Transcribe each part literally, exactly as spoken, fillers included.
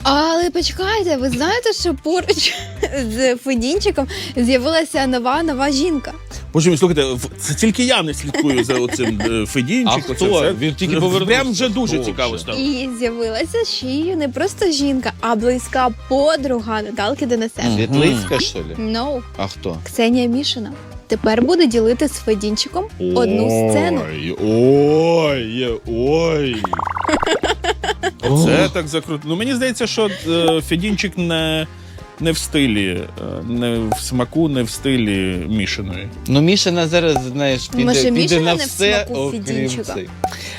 Але почекайте, ви знаєте, що поруч з Федінчиком з'явилася нова нова жінка. Боже мій, слухайте, це тільки я не слідкую за оцим Федінчиком. А хто? Він тільки повернувся. Прям вже дуже Хто цікаво вже? стало. І з'явилася ще й не просто жінка, а близька подруга Наталки Денисенко. Світлицька, що ли? No. А хто? Ксенія Мішина. Тепер буде ділити з Федінчиком одну сцену. Ой, ой, ой. Це так закруто. Ну, мені здається, що е, Федінчик не, не в стилі, е, не в смаку, не в стилі Мішиної. Ну, Мішина зараз, знаєш, піде, Може, піде Мішина на не в все, смаку окрім Федінчика? цей.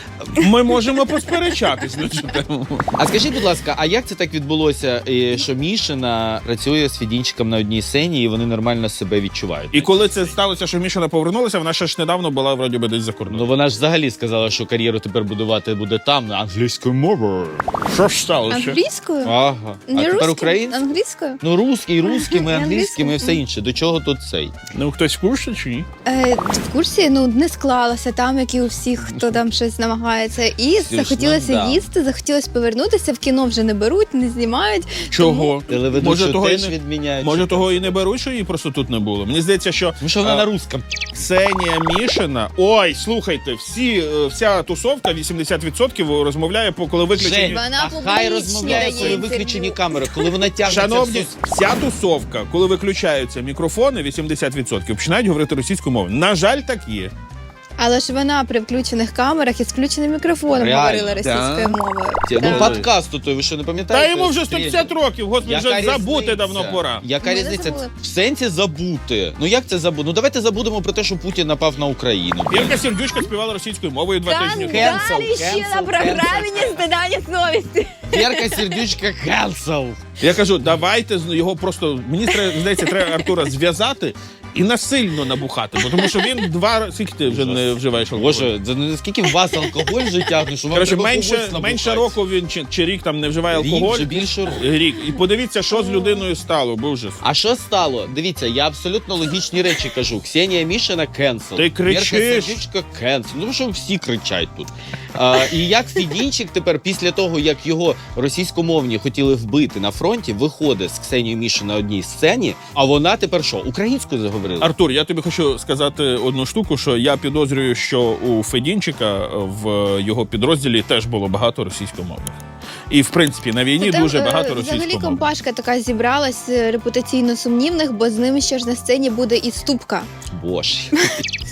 Ми можемо посперечатись на цю тему. А скажіть, будь ласка, а як це так відбулося, е, що Мішина працює з Федінчиком на одній сцені і вони нормально себе відчувають? І коли це сталося, що Мішина повернулася, вона ще ж недавно була, вроді би, десь за Ну кордоном. вона ж взагалі сказала, що кар'єру тепер будувати буде там, на англійською мовою. Що ж сталося? Англійською? Ага. А Не тепер русською? українською? Англійською? Ну, русський, русскими, І англійськими і англійською. все інше. До чого тут цей? Ну, хтось в курсі чи ні? Е, в курсі, ну, не склалося там, як і у всіх, хто там щось намагається. І Звісно, захотілося да. їсти, захотілося повернутися, в кіно вже не беруть, не знімають. Чого? Телеведучу того, і теж не, відміняють. може того і не беруть, що її просто тут не було. Мені здається, що Тому що вона а, на русском. Ксенія Мішина. Ой, слухайте, всі, е, вся тусовка вісімдесят відсотків розмовляє, по коли виключені. Жень, Вона а публічно хай розмовляє, дає коли інтерв'ю. виключені камери, коли вона тягнеться Шановні, всю- вся тусовка, коли виключаються мікрофони, вісімдесят відсотків починають говорити російською мовою. На жаль, так є. Але ж вона при включених камерах і з включеним мікрофоном Реально, говорила російською да. мовою. Ну, Так. подкаст той, ви що не пам'ятаєте? Та йому вже сто п'ятдесят років, господи, Яка вже забути різниця? давно пора. Яка Ми не різниця? забули. В сенсі забути. Ну як це забути? Ну давайте забудемо про те, що Путін напав на Україну. Ірка Сердючка співала російською мовою два Там тижні. Cancel, далі ще cancel, на програмі cancel. не стидання совісті. Вірка Сердючка cancel. Я кажу, давайте з- його просто, мені треба, здається, треба Артура зв'язати і насильно набухати, бо тому що він два рази, скільки ти вже не вживаєш алкоголь? Боже, це наскільки в вас алкоголь вже тягне, що вам Коротше, треба менше, когось набухати. менше року він чи, чи рік там не вживає Рік, алкоголь. вже більше року. Рік. І подивіться, що з людиною стало, бо вже. А що стало? Дивіться, я абсолютно логічні речі кажу. Ксенія Мішина cancel. Ти кричиш. Вірка Сердючка cancel. Ну, тому що всі кричать тут. А, і як Федінчик тепер, після того, як його російськомовні хотіли вбити на фронті, виходить з Ксенією Мішин на одній сцені, а вона тепер що, українською заговорила? Артур, я тобі хочу сказати одну штуку, що я підозрюю, що у Федінчика в його підрозділі теж було багато російськомовних. І, в принципі, на війні Там, дуже е, багато Взагалі російськомовних. компашка така зібралась е, репутаційно сумнівних, бо з ними ще ж на сцені буде і Ступка. Боже.